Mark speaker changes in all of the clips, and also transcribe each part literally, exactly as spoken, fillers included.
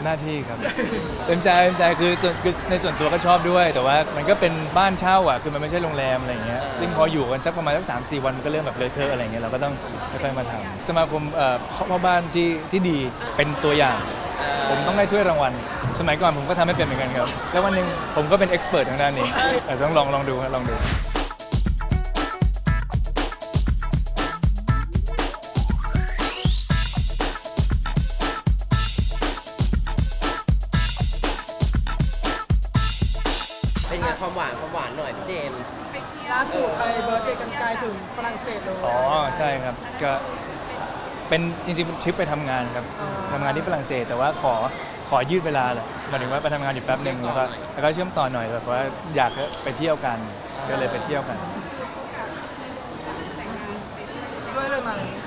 Speaker 1: หน้าที่ครับเต็มใจเต็มใจคือส่วนคือในส่วนตัวก็ชอบด้วยแต่ว่ามันก็เป็นบ้านเช่าอ่ะคือมันไม่ใช่โรงแรมอะไรอย่างเงี้ยซึ่งพออยู่กันสักประมาณสักสามสี่วันมันก็เริ่มแบบเลอะเทอะอะไรอย่างเงี้ยเราก็ต้องค่อยๆมาทำสมาคมเอ่อพ่อบ้านที่ที่ดีเป็นตัวอย่างผมต้องได้ถ้วยรางวัลสมัยก่อนผมก็ทำไม่เป็นเหมือนกันครับแล้ววันหนึ่งผมก็เป็นเอ็กซ์เพรสทางด้านนี้แต่ต้องลองลองดูครับลองดู
Speaker 2: เป็นไงความหวานความหวานหน่อยพี่เจมส์
Speaker 3: ล่าสุดไปเบิร์ธเดย์กันไกลถึงฝรั่งเศสเลย
Speaker 1: อ๋อใช่ครับก็เป็นจริงๆทริปไปทำงานครับทำงานที่ฝรั่งเศสแต่ว่าขอขอยืดเวลาแหละหมายถึงว่าไปทำงานอยู่แป๊บหนึ่งแล้วก็แล้วก็เชื่อมต่อหน่อยแบบว่าอยากไปเที่ยวกันก็เลยไปเที่ยวกัน
Speaker 3: ด้วยเลยไหม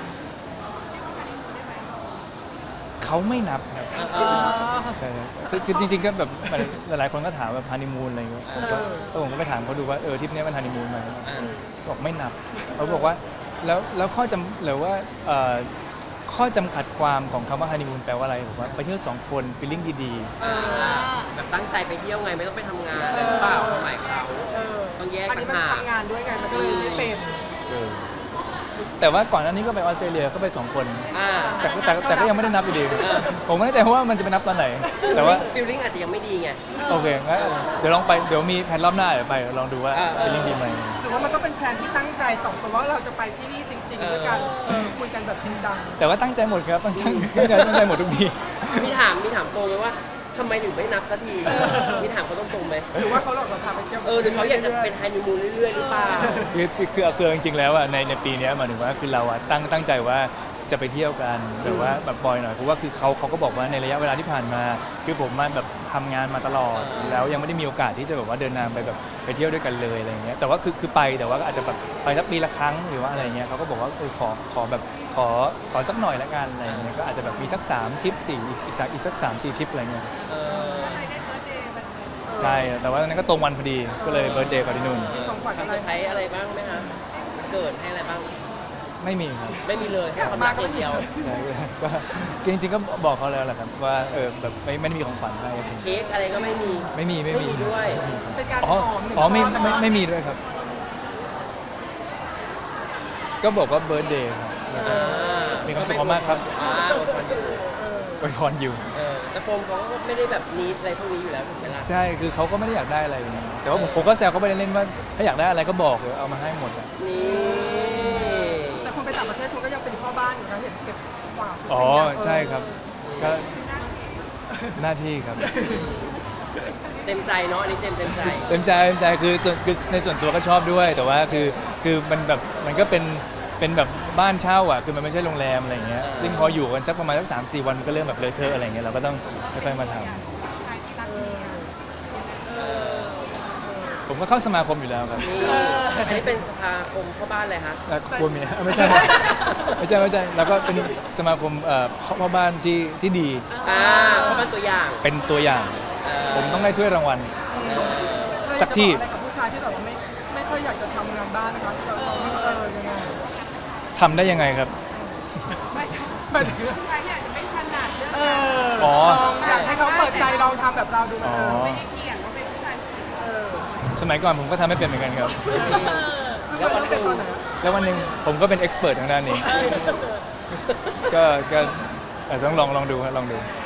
Speaker 1: เขาไม่นับครับ
Speaker 3: เออ
Speaker 1: ใช่ครับคือคือจริงๆก็แบบหลายๆคนก็ถามแบบฮันนีมูนอะไรอย่างเงี้ยผมก็ก็ผมก็ไปถามเขาดูว่าเออทริปนี้มันฮันนีมูนไหมบอกไม่นับเขาบอกว่าแล้วแล้วข้อจำหรือว่าเอ่อข้อจำกัดความของคำว่าฮันนีมูนแปลว่าอะไรบอกว่าไปเที่ยวสองคนฟีลลิ่งดี
Speaker 2: แบบตั้งใจไปเที่ยวไงไม่ต้องไปทำงานอะไรหรือเปล่าความหมายเขา
Speaker 3: เออ
Speaker 2: ต้องแยก
Speaker 3: อันนี้มัน
Speaker 2: ต่างหาก
Speaker 3: ทำงานด้วยไงมันก็เลยไม่เป็น
Speaker 1: ๆเออแต่ว่าก่อนหน้านี้ก็ไปออสเตรเลียก็ไปสองคน
Speaker 2: อ่า
Speaker 1: แต่ก็แต่แต่ก็ยังไม่ได้นับอยู่ดีผมไม่แน่ใจว่ามันจะไปนับตอนไหนแต่ว่า
Speaker 2: ฟิลลิ่งอาจจะยังไม่ดีไง
Speaker 1: โอเคงั้นเดี๋ยวลองไปเดี๋ยวมีแผนรอบหน้าเดี๋ยวไปลองดูว่า
Speaker 2: อ่า
Speaker 1: ฟีลลิ่งดีไหม
Speaker 3: หรือว่ามันก็เป็นแผนที่ตั้งใจสองคนว่าเราจะไปที่นี่จริงๆด้วยกันเออคุยกันแบบจริงจัง
Speaker 1: แต่ว่าตั้งใจหมดครับตั้งใจตั้งใจตั้งใจหมดทุกที
Speaker 2: มีถามมีถามโตไหมว่าทำไมถึงไม่นับสักทีมีถามเขาตรงๆไหม
Speaker 3: หรือว่าเขาหลอกเราพาไปเที่ยว
Speaker 2: เออหรือเขาอยากจะเป็นฮันนีมูนเรื่อยๆหรือเปล่า
Speaker 1: คือคือคือคือจริงๆแล้วอ่ะในในปีเนี้ยหมายถึงว่าคือเราอ่ะตั้งตั้งใจว่าจะไปเที่ยวกันแต่ว่าแบบปล่อยหน่อยเพราะว่าคือเขาเขาก็บอกว่าในระยะเวลาที่ผ่านมาคือผมมาแบบทำงานมาตลอด แล้วยังไม่ได้มีโอกาสที่จะแบบว่าเดินทางไปแบบไปเที่ยวด้วยกันเลยอะไรเงี้ยแต่ว่าคือคือไปแต่ว่าก็อาจจะแบบไปสักปีละครั้งหรือว่าอะไรเงี้ยเขาก็บอกว่าเออขอขอแบบขอขอสักหน่อยละกันอะไรเงี้ยก็อาจจะแบบมีสักสามทริปสี่อีกอีกสักอีกสักสามสี่ทริปอะไรเงี้ย
Speaker 2: เออ
Speaker 1: ใช่แต่ว่านั้นก็ตรงวันพอดีก็เลยเบิร์ธเดย์เขาที่นู่น
Speaker 3: มีของขวัญ
Speaker 2: ทำ
Speaker 3: อะ
Speaker 2: เซ
Speaker 3: ไร
Speaker 2: อร์ไพรส์อะไรบ้างไหมคะเกิดให้อะไรบ้าง
Speaker 1: ไม่มีครับ
Speaker 2: ไม่มีเลยแค่ความรักอย่างเดียว
Speaker 1: ใช่ก็จริงๆก็บอกเขาแล้วแหละครับว่าเออแบบไม่ไม่ได้มีของขวัญให้
Speaker 2: เค้กอะไรก็ไม่มี
Speaker 1: ไม่มีไม่มี
Speaker 2: ไม่มีด้วย
Speaker 3: เป็นการ
Speaker 1: อ๋อ
Speaker 3: หอมหนึ่ง
Speaker 1: อ๋อไม่
Speaker 3: ก้อน
Speaker 1: ไม่
Speaker 3: นะคะ
Speaker 1: ไม่มีด้วยครับ ก็บอกว่าเบิร์ธเดย์ครับ
Speaker 2: อ่า
Speaker 1: มีความสุขมากๆครับ
Speaker 2: อ่าอวยพรอยู่
Speaker 1: อวยพรอยู่
Speaker 2: เออแต่โฟมเขาก็ไม่ได้แบบนิดอะไรพวกนี้อยู่แล้วถูกไหมล่ะ
Speaker 1: ใช่คือเขาก็ไม่ได้อยากได้อะไรอย่างเงี้ยแต่ว่าผมผมก็แซวเขาไปเล่นๆว่าถ้าอยากได้อะไรก็บอกเดี๋ยวเอามาให้หมดอะ
Speaker 2: นี่
Speaker 3: แต่คนไปต่างประเทศคุณก็ยังเป็นพ่อบ้านอยู่นะเห็นเก็บกวาด
Speaker 1: อ๋อใช่ครับก็หน้าที่ครับ
Speaker 2: เต็มใจเนาะอันนี้เต็มเต็มใจ
Speaker 1: เต็มใจเต็มใจคือส่วนคือในส่วนตัวก็ชอบด้วยแต่ว่าคือคือมันแบบมันก็เป็นเป็นแบบบ้านเช่าอ่ะคือมันไม่ใช่โรงแรมอะไรอย่างเงี้ยซึ่งพออยู่กันสักประมาณสักสามสี่วันมันก็เริ่มแบบเลอะเทอะอะไรอย่างเงี้ยเราก็ต้องค่อยๆมาทำผมก็เข้าสมาคมอยู่แล้วครับ
Speaker 2: นี่อันนี้เป็นสภาคมพ่อบ้านเลยฮะ
Speaker 1: เอ่อกลัวเมียไม่ใช่ไม่ใช่ไม่ใช่แล้วก็เป็นสมาคมเอ่อพ่อบ้านที่ที่ดี
Speaker 2: อ่าพ่อบ้านตัวอย่าง
Speaker 1: เป็นตัวอย่าง
Speaker 2: เออ
Speaker 1: ผมต้องได้ถ้วยรางวัล สักที่
Speaker 3: อะไรกับผู้ชายที่แบบว่าไม่ไม่ค่อยอยากจะทำงานบ้านนะคะเราเราไม่เออยังไง
Speaker 1: ทำได้ยังไงครับ
Speaker 3: ไม่ไม่ถึงผู้ชายที่อาจจะไม่ถนัดเรื่องเออ
Speaker 1: อ๋อ
Speaker 3: ลองอยากให้เขาเปิดใจลองทำแบบเราดู
Speaker 1: อ๋อ
Speaker 3: ไม่ได้เกี่ยงว่าเป็นผู้ชายเออ
Speaker 1: สมัยก่อนผมก็ทำไม่เป็นเหมือนกันครับ
Speaker 2: แล้ววันหนึ่ง
Speaker 1: แล้ววันหนึ่งผมก็เป็นเอ็กซ์เพรสทางด้านนี้ ก็ก็อาจจะต้องลองลองดูครับลองดู
Speaker 2: เ